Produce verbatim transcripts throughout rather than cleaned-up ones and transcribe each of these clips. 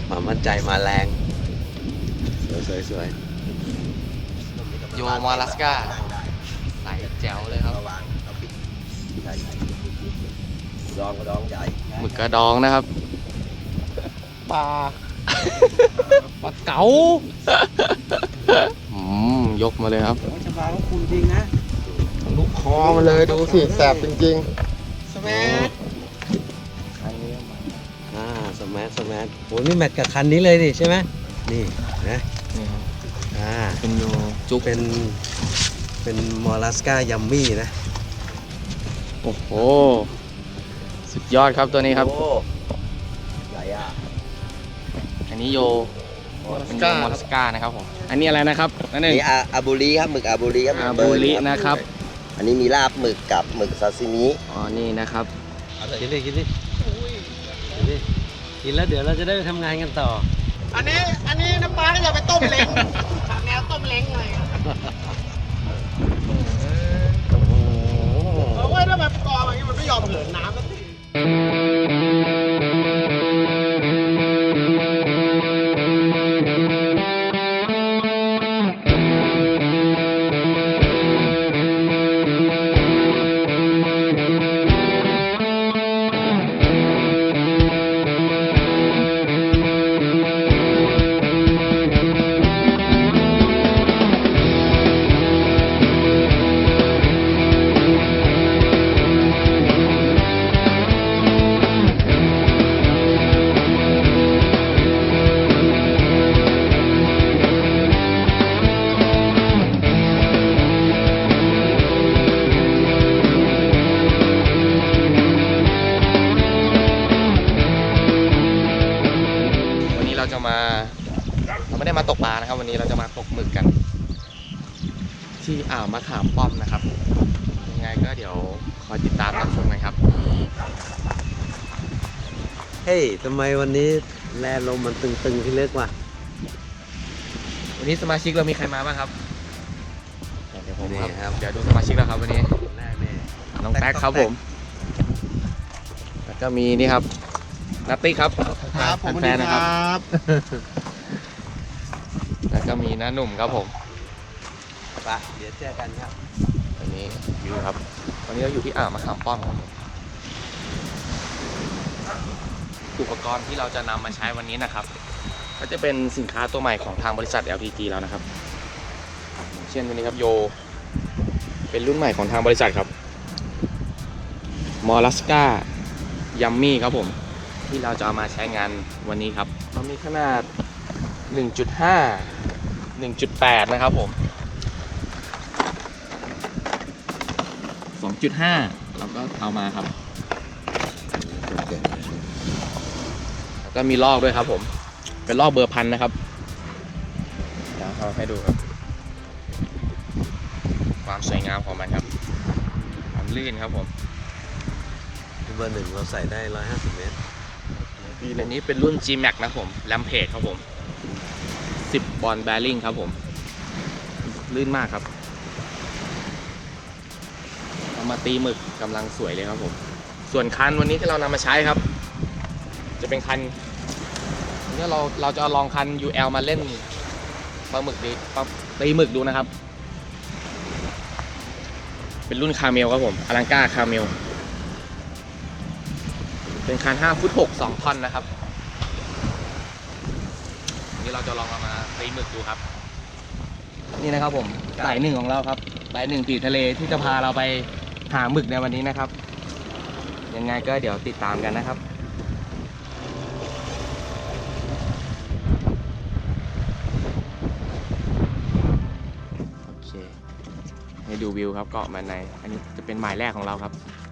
ความมั่นใจมาแรงสวยสวยสวยโยมาลัสกาใสแจ๋วเลยครับดองกระดองใหญ่หมึกกระดองนะครับปลาปลาเก๋าอืมยกมาเลยครับชบาก็คุณจริงนะลูกคอมาเลยดูสิแสบจริงสมัยอ่าสมัทสมัทโหนี่แมทกับคันนี้เลยดิใช่ไหมนี่นะๆนี่ครับอ่าเป็นโยจุกเป็นเป็นมอลลัสกายัมมี่นะโอ้โหสุดยอดครับตัวนี้ครับโอ้ใหญ่อะอันนี้โยเป็นโยมอลัสกานะครับผมอันนี้อะไรนะครับนั่นเองนี่อาอาบูริครับหมึกอาบูริครับหมึอากเบิบูร์นริครับนะครับอันนี้มีลาบหมึกกับหมึกซาซิมิอ๋อนี่นะครับกินดิกินดิกินดิกินแล้วเดี๋ยวเราจะได้ไปทำงานกันต่ออันนี้อันนี้น้ำปลาก็อย่าไปต้มเล้งแนวต้มเล้งเลยเพราะว่าถ้าแบบกรอบอย่างนี้มันไม่ยอมเหินน้ำสักทีวันนี้เราจะมาเราไม่ได้มาตกปลานะครับ วันนี้เราจะมาตกหมึกกัน ที่อ่าวมะขามป้อมนะครับยังไงก็เดี๋ยวคอยติดตามรับชมกันครับเฮ้ยทำไมวันนี้แลลมมันตึงๆพี่เล็กว่ะวันนี้สมาชิกเรามีใครมาบ้างครับเดี๋ยวผมนี่ครับครับเดี๋ยวดูสมาชิกเราครับวันนี้แรกเนี่ยน้องแท็กครับผมแล้วก็มีนี่ครับนัตตี้ครับครับผมแฟนๆนะครับบแล้วก็มีน้าหนุ่มครับผมไปเดี๋ยวเจอกันครับอันนี้วิวครับ วันนี้เราอยู่ที่อ่าวมะขามป้อมครับอุปกรณ์ที่เราจะนำมาใช้วันนี้นะครับ ก็จะเป็นสินค้าตัวใหม่ของทางบริษัท แอล พี จี แล้วนะครับ เช่นวันนี้ครับโย เป็นรุ่นใหม่ของทางบริษัทครับมอลัสกายัมมี่ครับผม ที่เราจะเอามาใช้งานวันนี้ครับมันมีขนาด หนึ่งจุดห้า หนึ่งจุดแปด นะครับผม สองจุดห้า เราก็เอามาครับ แล้วก็มีลอกด้วยครับผม เป็นลอกเบอร์พันนะครับเดี๋ยวเอาให้ดูครับ ความสวยงามของมันครับ ความลื่นครับผมเบอร์หนึ่งเราใส่ได้ร้อยห้าสิบเมตรอันนี้เป็นรุ่น จี แม็ก นะครับผมแรมเพจครับผม สิบ บอลแบริ่งครับผม ลื่นมากครับเอามาตีหมึกกำลังสวยเลยครับผม ส่วนคันวันนี้ที่เรานำมาใช้ครับ จะเป็นคันนี้เราเราจะลองคัน ยู แอล มาเล่นปลาหมึกดีปลาตีหมึกดูนะครับ เป็นรุ่นคาเมลครับผมอลังกาคาเมล เป็นคันห้าฟุตหก สองท่อนนะครับนี่เราจะลองเอามาตีหมึกดูครับ นี่นะครับผมสายหนึ่งของเราครับสายหนึ่งตีทะเลที่จะพาเราไปหาหมึกในวันนี้นะครับ ยังไงก็เดี๋ยวติดตามกันนะครับโอเคให้ดูวิวครับเกาะมันในอันนี้จะเป็นหมายแรกของเราครับ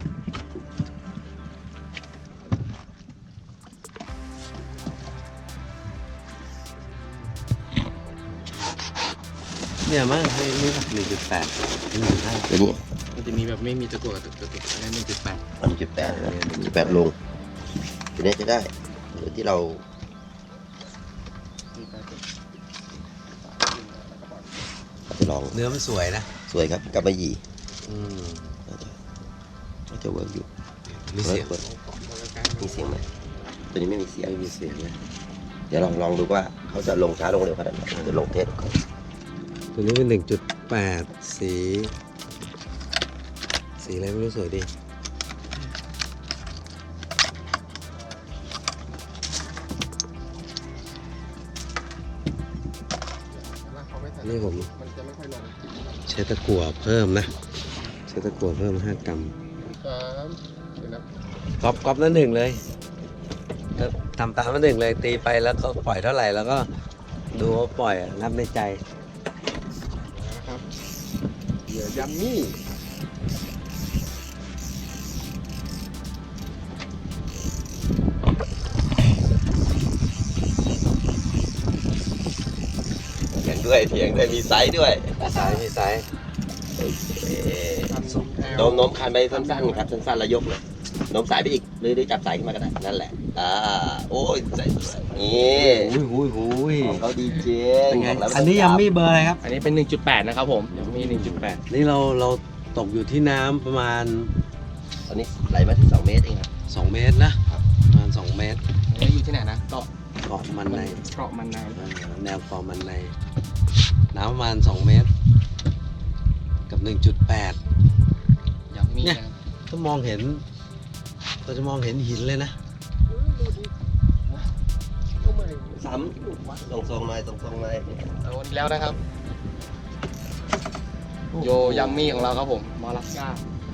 เนี่ยมั้งให้นี่หนึ่งจุดแปดหนึ่งจุดห้าตัวนี้มันจะมีแบบไม่มีตะกั่วตะกั่วอันนั้นหนึ่งจุดแปดหนึ่งจุดแปดหนึ่งจุดแปดลงตัวนี้จะได้หรือที่เราเอาไปลองเนื้อมันสวยนะสวยครับกับมะหยี่อืมน่าจะน่าจะเวิร์กอยู่มีเสียงปิดมีเสียงไหมตัวนี้ไม่มีเสียงไม่มีเสียงนะเดี๋ยวลองลองดูว่าเขาจะลงช้าลงเร็วขนาดไหนเดี๋ยวลงเทสก่อนตัวนี้เป็นหนึ่งจุดแปดสี สีอะไรไม่รู้สวยดี นี่ผมใช้ตะกั่วเพิ่มนะ ใช้ตะกั่วเพิ่มห้ากรัมก๊อปก๊อปนั่นหนึ่งเลยก็ทำตามนั่นหนึ่งเลยตีไปแล้วก็ปล่อยเท่าไหร่แล้วก็ดูว่าปล่อยอะนับในใจเหยื่อยัมมี่เถียงด้วยเถียงด้วยมีไซส์ด้วยมีสายมีสายเอ๊ะโน้มโน้มคันไปสั้นๆครับสั้นๆแล้วยกเลยโน้มสายไปอีกหรือหรือจับสายขึ้นมาก็ได้นั่นแหละอ่าโอ้ยใส่นี่หุยหุยหุยของเขาดีจริงเป็นไงบกแล้วอันนี้ยังไม่เบอร์อะไรครับอันนี้เป็น หนึ่งจุดแปด นะครับผมยังมี หนึ่งจุดแปดนี่เราเราตกอยู่ที่น้ำประมาณตอนนี้ไหลมาที่สองเมตรเองครับสองเมตรนะประมาณสองเมตรอันนี้อยู่ที่ไหนนะเกาะเกาะมันในเกาะมันในอ่าแนวเกาะมันในน้ำประมาณสองเมตร กับหนึ่งจุดแปดยังมีเนี่ยนะก็มองเห็นเราจะมองเห็นหินเลยนะซ้ำตรงทรงๆหน่อยตรงทรงๆหน่อยเอาวันนี้แล้วนะครับ โยยัมมี่ของเราครับผมมอลัสกา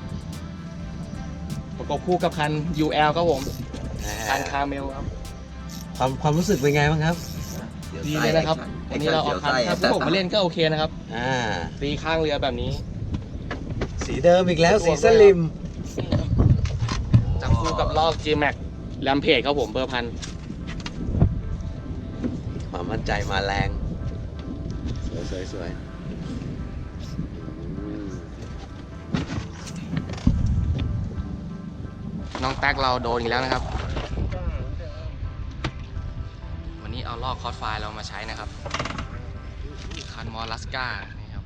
ประกบคู่กับคัน ยู แอล ครับผมคันคาเมลครับความความรู้สึกเป็นไงบ้างครับดีเลยนะครับ วันนี้เราเอาคันถ้าพวกผมมาเล่นก็โอเคนะครับอ่าตีข้างเรือแบบนี้สีเดิมอีกแล้วสีสลิมจับคู่กับลอก G Max แรมเพจครับผมเบอร์พันความมั่นใจมาแรง สวยสวยสวยอืมน้องแท็กเราโดนอีกแล้วนะครับ วันนี้เอาลอกคอร์สไฟล์เรามาใช้นะครับ คันมอลัสกานี่ครับ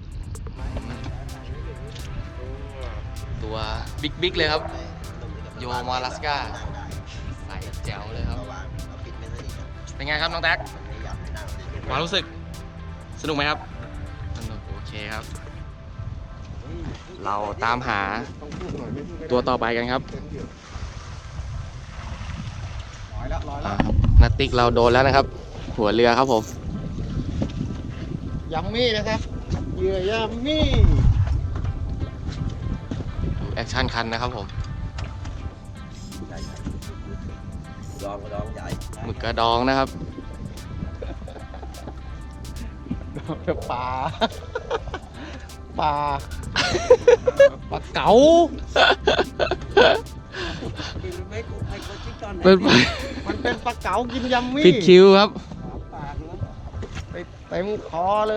ตัวบิ๊กบิ๊กเลยครับ โยมอลัสกาใส่แจ๋วเลยครับ เป็นไงครับน้องแท็กความรู้สึกสนุกไหมครับ สนุกโอเคครับ เราตามหาตัวต่อไปกันครับอ่าครับนัตติกเราโดนแล้วนะครับ หัวเรือครับผมยัมมี่นะครับเหยื่อยัมมี่แอคชั่นคันนะครับผมดองดองใหญ่หมึกกระดองนะครับปลาปลาปลาเก๋าเป็นมันเป็นปลาเก๋ากินยัมมี่ผิดคิวครับไปเต็มคอเลย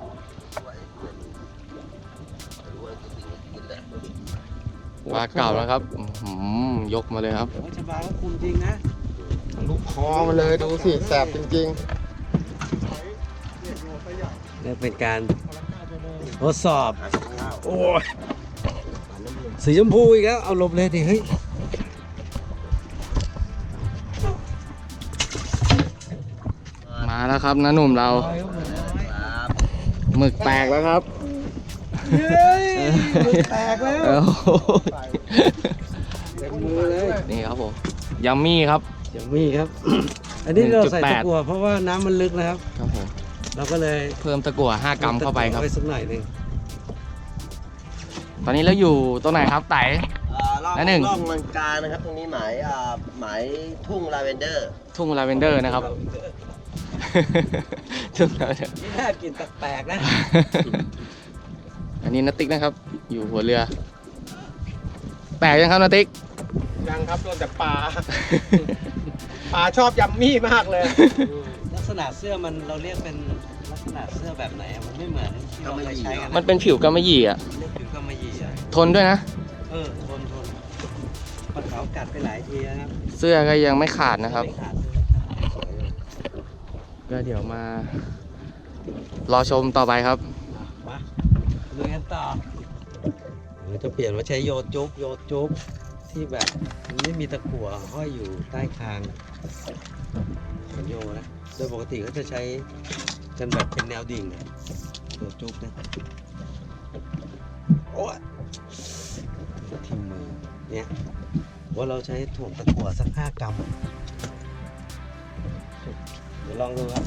ปลาเก่านะครับอื้อหือยกมาเลยครับชบาก็คุณจริงนะลูกคอมาเลยดูสิแสบจริงเนี่ยเป็นการทดสอบ โอ้ยสีชมพูอีกแล้ว เอาหลบเลยดิเฮ้ยมาแล้วครับน้าหนุ่มเราหมึกแตกแล้วครับเฮ้ยหมึกแตกแล้วโอ้โหเต็มมือเลยนี่ครับผมยัมมี่ครับเดี๋ยวมีครับ อันนี้เราใส่หนึ่งจุดแปดตะกั่วเพราะว่าน้ำมันลึกนะครับครับผมเราก็เลยเพิ่มตะกั่วห้ากรัมเข้าไปครับไว้สักหน่อยหนึ่งตอนนี้เราอยู่ตรงไหนครับไต่อ่าล่องและหนึ่งล่องมังกานะครับตรงนี้หมายอ่าหมายทุ่งลาเวนเดอร์ทุ่งลาเวนเดอร์นะครับ ทุ่งลาเวนเดอร์นี่น่ากินแปลกๆนะอันนี้นัตติกนะครับ อยู่หัวเรือ แตกยังครับนัตติกๆ ยังครับโดนแต่ปลา ปลาชอบยัมมี่มากเลยลักษณะเสื้อมันเราเรียกเป็นลักษณะเสื้อแบบไหนอะมันไม่เหมือนที่เราเคยใช้กันมันเป็นผิวกำมะหยี่อ่ะเรียกผิวกำมะหยี่อะทนด้วยนะเออทนทนปลาขาวกัดไปหลายทีนะครับเสื้อก็ยังไม่ขาดนะครับไม่ขาดก็เดี๋ยวมา รอชมต่อไปครับมาลุยกันต่อเราจะเปลี่ยนมาใช้โยจุ๊บโยจุ๊บที่แบบมันไม่มีตะกั่วห้อยอยู่ใต้คางเหมือนโยนะโดยปกติเขาจะใช้กันแบบเป็นแนวดิ่งนะตัวจุกนะโอ้ยทิ่มมือเนี่ยว่าเราใช้ถ่วงตะกั่วสักห้ากรัมเดี๋ยวลองดูครับ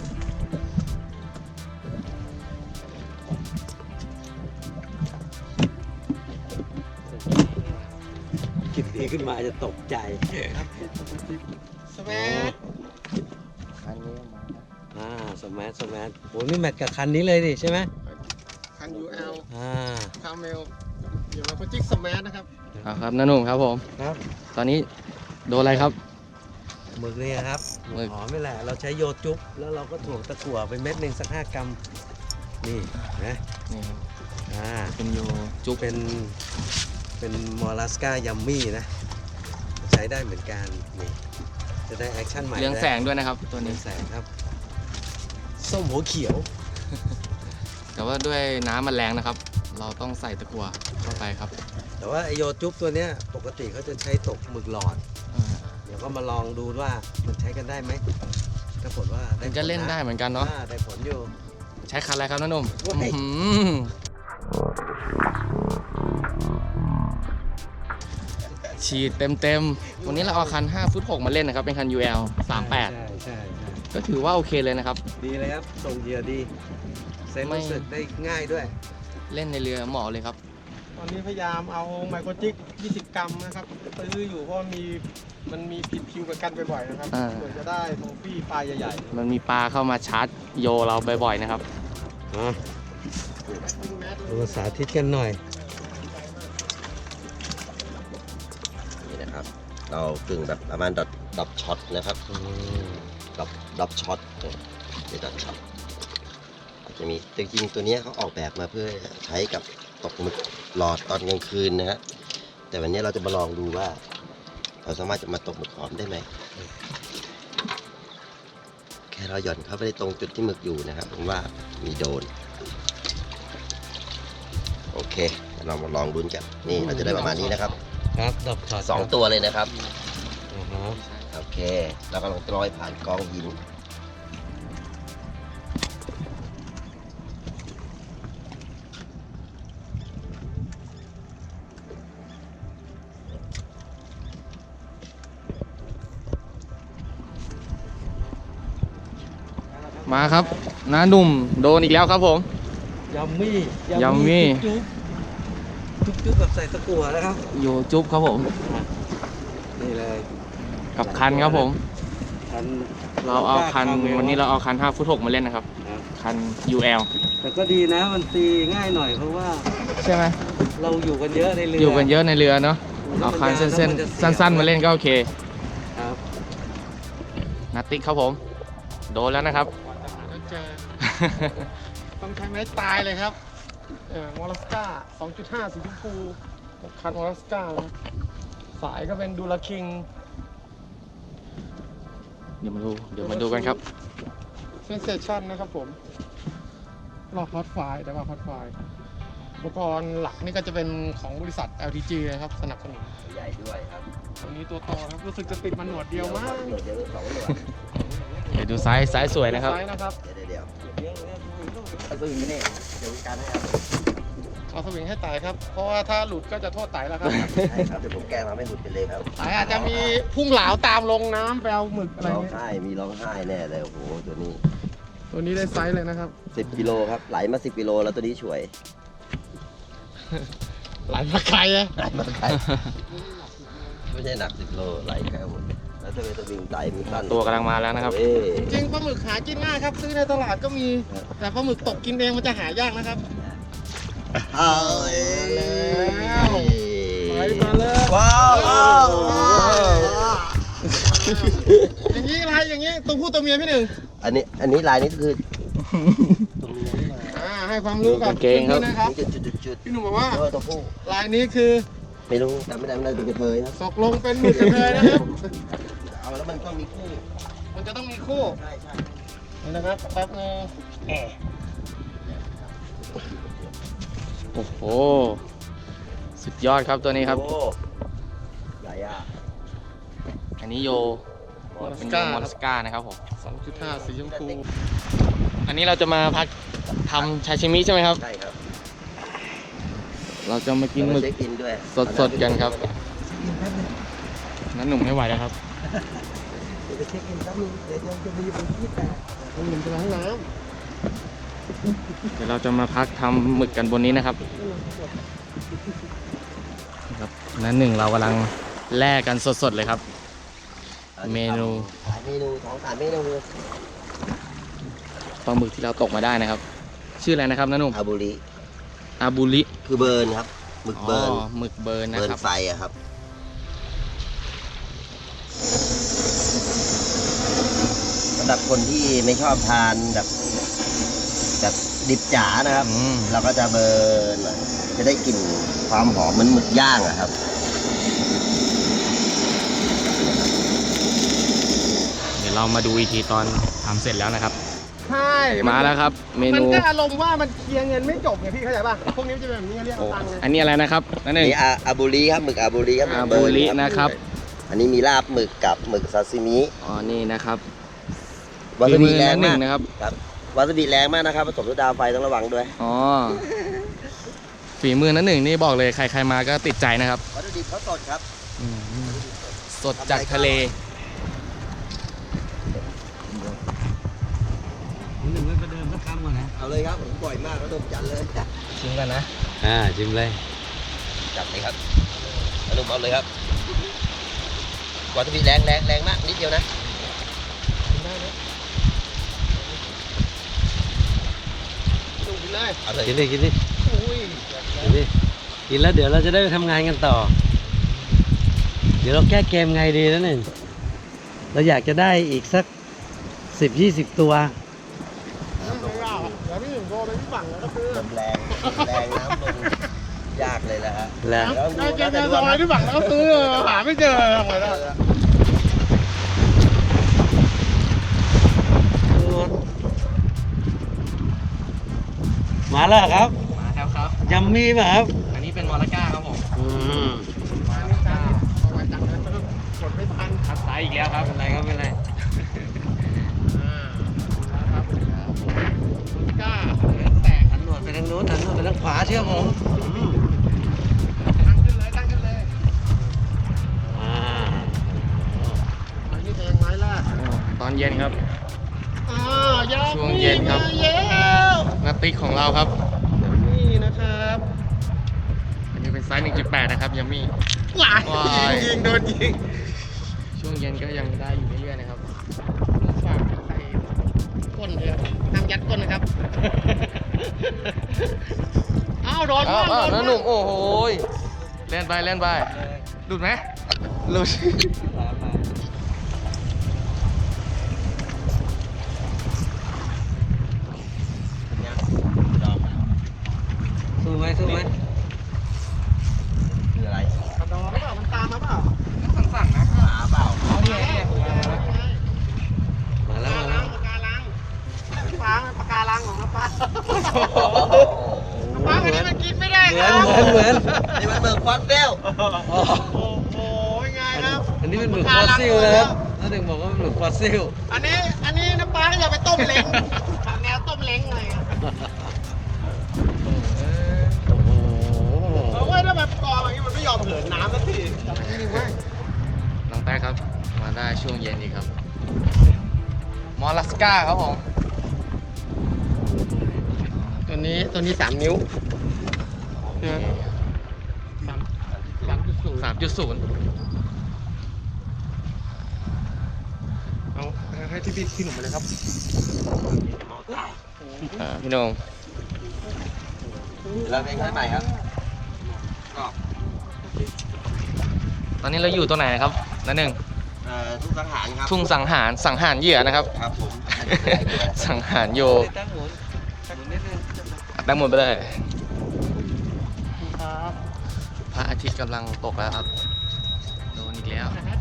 กินดีขึ้นมาจะตกใจสแมทอันนี้มาอ่าสมาร์ทสมาร์ทโหนี่แมทกับคันนี้เลยดิใช่ไหมคัน ยู แอลอ่าคาเมลเดี๋ยวเราก็จิกสแมทนะครับเอาครับน้าหนุ่มครับผมครับตอนนี้โดนอะไรครับหมึกเนี่ยครับหมึกหอมไม่แหละ เราใช้โยจุ๊บแล้วเราก็ถ่วงตะกั่วไปเม็ดหนึ่งสักห้ากรัม นี่นะนี่ครับอ่าเป็นโยจุ๊บเป็น เป็นมอลลัสกายัมมี่นะ ใช้ได้เหมือนกัน นี่ จะได้แอคชั่นใหม่เรืองแสงด้วยนะครับ ตัวเรืนี้องแสงครับ ส้มหัวเขียวแต่ว่าด้วยน้ำมันแรงนะครับ เราต้องใส่ตะกั่วเข้าไปครับแต่ว่าไอโยจุ๊บตัวเนี้ยปกติเขาจะใช้ตกหมึกหลอดอ่าเดี๋ยวก็มาลองดูว่ามันใช้กันได้ไหมถ้าผลว่ามันก็เล่นได้เหมือนกันเนาะเนาะได้ผลอยู่ใช้คันอะไรครับน้าหนุ่มโอ้ยอื้อหือฉีดเต็มเต็มๆวันนี้เราเอาคันห้าฟุตหกมาเล่นนะครับ เป็นคัน ยู แอล สามแปดใช่ใช่ใช่ก็ถือว่าโอเคเลยนะครับดีเลยครับส่งเหยื่อดีเซ็นไม่รู้สึกได้ง่ายด้วยเล่นในเรือเหมาะเลยครับตอนนี้พยายามเอาไมโครจิกยี่สิบกรัมนะครับซื้ออยู่เพราะมีมันมีผิดคิวกับกันบ่อยๆนะครับอ่าเพื่อจะได้ทองฟี่ปลาใหญ่มันมีปลาเข้ามาชาร์จโยเราบ่อยๆนะครับอ่ะๆยิงแมสเลดูยสาธิตกันหน่อยนี่นะครับ เรากึ่งแบบประมาณดอทดอทช็อตนะครับอืมดอทดอทช็อตนี่ดอทช็อตอาจจะมีจริงๆตัวเนี้ยเขาออกแบบมาเพื่อใช้กับตกหมึกหลอดตอนกลางคืนนะฮะแต่วันนี้เราจะมาลองดูว่า เราสามารถจะมาตกหมึกหอมได้ไหมแค่เราหย่อนเข้าไปในตรงจุดที่หมึกอยู่นะครับผมว่ามีโดน โอเคเรามาลองดุนกันนี่เราจะได้ประมาณนี้นะครับครับดอกช็อตสองตัวเลยนะครับอือฮะโอเคเรากำลังลอยผ่านกองหินมาครับน้าหนุ่มโดนอีกแล้วครับผมยัมมี่ยัมมี่จุ๊บจุ๊บจุ๊บแบบใส่ตะกั่วนะครับโยจุ๊บครับผมนี่เลยกับคันครับผมคันเราเอาคันคมลวันนี้เราเอาคันห้าฟุตหกมาเล่นนะครับครับคัน ยู แอลแต่ก็ดีนะมันตีง่ายหน่อยเพราะว่าใช่ไหมเราอยู่กันเยอะในเรือออยู่กันเยอะในเรือเนาะ เอาคันเส้นๆสั้นๆมาเล่นก็โอเคครับนัตติกครับผม โดนแล้วนะครับกว่าจะหาแล้วเจอ ต้องใช้ไม้ตายเลยครับ เออมอลลัสก้า สองจุดห้า สีชมพูคันมอลลัสก้านะครับสายก็เป็นดูลาคิงเดี๋ยวมาดู เดี๋ยวมาดูกันครับเซนเซชันนะครับผมรอบพอดไฟล์แต่ว่าพอดไฟล์อุปกรณ์หลักนี่ก็จะเป็นของบริษัท แอล ที จี นะครับ สนับสนุนใหญ่ด้วยครับตัวนี้ตัวโตครับ รู้สึกจะติดมันหนวดเดียวมากหนวดเดียวหรือสองหนวดเดี๋ยวดูไซส์ไซส์สวยนะครับไซส์นะครับเดี๋ยวเดี๋ยวเดี๋ยวเอาตัวนี้นี่เดี๋ยวการให้ครับเอาสวิงให้ไต่ครับ เพราะว่าถ้าหลุดก็จะโทษไต่แล้วครับใช่ครับเดี๋ยวผมแกล้งมาไม่หลุดไปเลยครับไต่อาจจะมีพุ่งเหลาตามลงน้ำไปเอาหมึกอะไรร้องเงี้ยไห้มีร้องไห้แน่เลยโอ้โหตัวนี้ตัวนี้ได้ไซส์เลยนะครับสิบกิโลครับไหลมาสิบกิโลแล้วตัวนี้ช่วยไหลมาไกลอะไหลมาไกลไม่ใช่หนักสิบโลไหลแค่หมดแล้วถ้าเป็นตัววิ่งไตมันสั้นตัวกำลังมาแล้วนะครับเอ้ยจริงปลาหมึกหากินง่ายครับ ซื้อในตลาดก็มี แต่ปลาหมึกตกกินเองมันจะหายากนะครับเอาเอ้ยไปมาเลยว้าวว้าวอย่างนี้อะไรอย่างนี้ตัวผู้ตัวเมียพี่หนึ่งอันนี้อันนี้ลายนี้คืออ่าให้ความรู้กับกางเกงครับพื่อนๆนะครับจุดจุดจุดจุดพี่หนุ่มบอกว่าเออตัวผู้ลายนี้คือไม่รู้จำไม่ได้ไม่ได้ตัวกระเทยครับตกลงเป็นหมึกกระเทยนะครับเอาแล้วมันก็มีคู่มันจะต้องมีคู่ใช่ใช่นี่นะครับแป๊บนึงแหมโอ้โห สุดยอดครับตัวนี้ครับโอ้ใหญ่อะอันนี้โยมอลลัเป็สนโยก้ามอลสกานะครับผมไซสองจุดห้าสีชมพูอันนี้เราจะมาพักทำชาชิมิใช่ไหมครับใช่ครับเราจะมากินหมึกเช็คอินด้วยสดๆกันครับนั้นหนุ่มไม่ไหวแล้วครับเดี๋ยวไปเช็คอินแป๊บนึงเดี๋ยวจะมีคนที่แต่มันเหมือนจะล้างน้เดี๋ยวเราจะมาพักทำหมึกกันบนนี้นะครับครับนั้นหนึ่งเรากำลังแล่กันสดๆเลยครับ เมนูหลายเมนูสองสามเมนูปลาหมึกที่เราตกมาได้นะครับ ชื่ออะไรนะครับนั้นหนุ่มอาบุริอาบูริคือเบิร์นครับหมึกเบิร์นอ๋อหมึกเบิร์นนะเบิร์นครับไฟอะครับสำหรับคนที่ไม่ชอบทานแบบแบบดิบจ๋านะครับอืมเราก็จะเบิร์นหน่อยจะได้กลิ่นความหอมเหมือนหมึกย่างอะครับเดี๋ยวเรามาดูอีกทีตอนทำเสร็จแล้วนะครับำใช่มาแล้วครับ เมมันนูก็อารมณ์ว่ามันเคลียร์เงินไม่จบไงพี่เข้าใจป่ะ พวกนี้มันจะเป็นแบบนี้เรียกโอ้เอาตังค์ไงอันนี้อะไรนะครับนั่นเองนี่อาอาบุริครับหมึกอาบุริครับหมึอากเบิบูร์นริครับนะครับอันนี้มีลาบหมึกกับหมึกซาซิมิอ๋อนี่นะครับวาซาบิฝีมือแรงนั้นหนึ่มากงนะครับครับวาซาบิแรงมากนะครับผสมด้วยดาวไฟต้องระวังด้วยอ๋อฝีมือนั้นหนึ่งนี่บอกเลยใครๆมาก็ติดใจนะครับวัตถุดิบเขาสดครับอืมสดจากทะเลหนึ่งไม่ประเดิมสักคำก่อนนะเอาเลยครับผมบ่อยมากแล้วผมจัดเลยชิมกันนะอ่าชิมเลยจัดเลยครับอนุมเอาเลยครับวาซาบิแรงแรงแรงมากนิดเดียวนะดูกินเลยเอาเลยกินดิกินดิอุ้ยกินดิกินแล้วเดี๋ยวเราจะได้ไปทำงานกันต่อ เดี๋ยวเราแก้เกมไงดีนะหนึ่งเราอยากจะได้อีกสักสิบยี่สิบตัวไม่ยากอะเดี๋ยวพี่หนึ่งโทรไปที่ฝั่งแล้วก็ซื้อลมแรงแรงน้ำลงยากเลยนะฮะแล้วได้เกมในซอยที่ฝั่งแล้วก็ซื้อหาไม่เจอทำไงได้มาแล้วครับมาแล้วครับยัมมี่ป่ะครับอันนี้เป็นมอลลาก้าครับผมอืมมาไม่จ้าเอาไว้จังเลยกดไม่ทันคัดไซส์อีกแล้วครับเป็นไรครับเป็นไรอ่าครับกล้าแตกหันหนวดไปทางโน้นหันหนวดไปทางขวาเชื่อผมอืมตั้งขึ้นเลยตั้งขึ้นเลยอ่าอันนี้แทงไม้แรกตอนเย็นครับอ่ายาช่วงเย็นครับมาแล้วนัตติกของเราครับนี่นะครับอันนี้เป็นไซส์ หนึ่งจุดแปด นะครับยัมมี่หลายว้ายยิงโดนยิงช่วงเย็นก็ยังได้อยู่เรื่อยๆนะครับฝากใส่ก้นเลยน้ำยัดก้นนะครับ อ้าวโดนอ้าวบ้างอ้าวโดน้าน หบ้านุ่งมโอ้โหยเล่นไปเล่นไปหลุดไหมหลุดสู้ไหมสู้ไหมคืออะไรกระดองหรือเปล่ามันตามมาเปล่าสั่นๆนะหมาเปล่าเอาดิเอาดิมาแล้วมาปากแล้วการังปากการังปากการังของน้าป้าป้าอันนี้มันกินไม่ได้เหคมือนรับเหมือนเหมือนนี่มันเบิกฟอนเฟลอ๋อโอ้โหไงครับอันนี้เป็นหมึกฟอสซิลนะครับน้าหนึ่งบอกว่าเป็นหมึกฟอสซิลอันนี้อันนี้น้าป้าก็อย่าไปต้มเล้งทางแนวต้มเล้งเลยครับโอ้โหเอาไว้ถ้าแบบกรองอย่างนี้มันไม่ยอมเหินน้ำสักทีจับนี่ไว้น้องแต้ครับ มาได้ช่วงเย็นอีกครับ มอลลัสก้าครับผมตัวนี้ตัวนี้สามนิ้วใช่ไหมสามสามจุดศูนย์สามจุดศูนย์เอาให้ที่พี่พี่หนุ่มมาเลยครับพี่โหน่งเราเป็นใครใหม่ครับตอนนี้เราอยู่ตรงไหนครับนั่นหนึ่งเอ่อทุกสังหารครับทุ่งสังหารสังหารเหยื่อนะครับครับผมสังหารโยตั้งหมุนหมุนนิดนึงตั้งหมดไปเลยครับพระอาทิตย์กำลังตกแล้วครับ โดนอีกแล้ว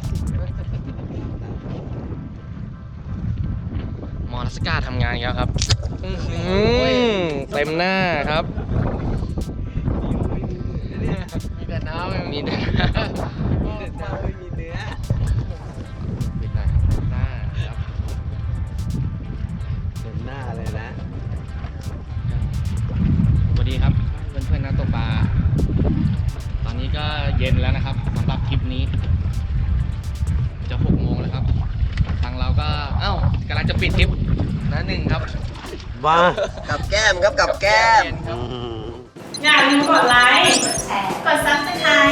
มอลลัสก้าทำงานอีกแล้วครับอื้อหือเต็มหน้าครับมีแต่น้ำมีหน้าไม่มีเนื้อปิดหน่อยหน้าครับเต็มหน้าเลยนะสวัสดีครับเพื่อนๆนักตกปลาตอนนี้ก็เย็นแล้วนะครับสำหรับคลิปนี้ จะหกโมงแล้วครับทางเราก็เอ้ากำลังจะปิดคลิปนะหนึ่งครับบ้ากับแก้มครับกับแก้มอืมอย่าลืมกดไลค์ กด ซับสไคร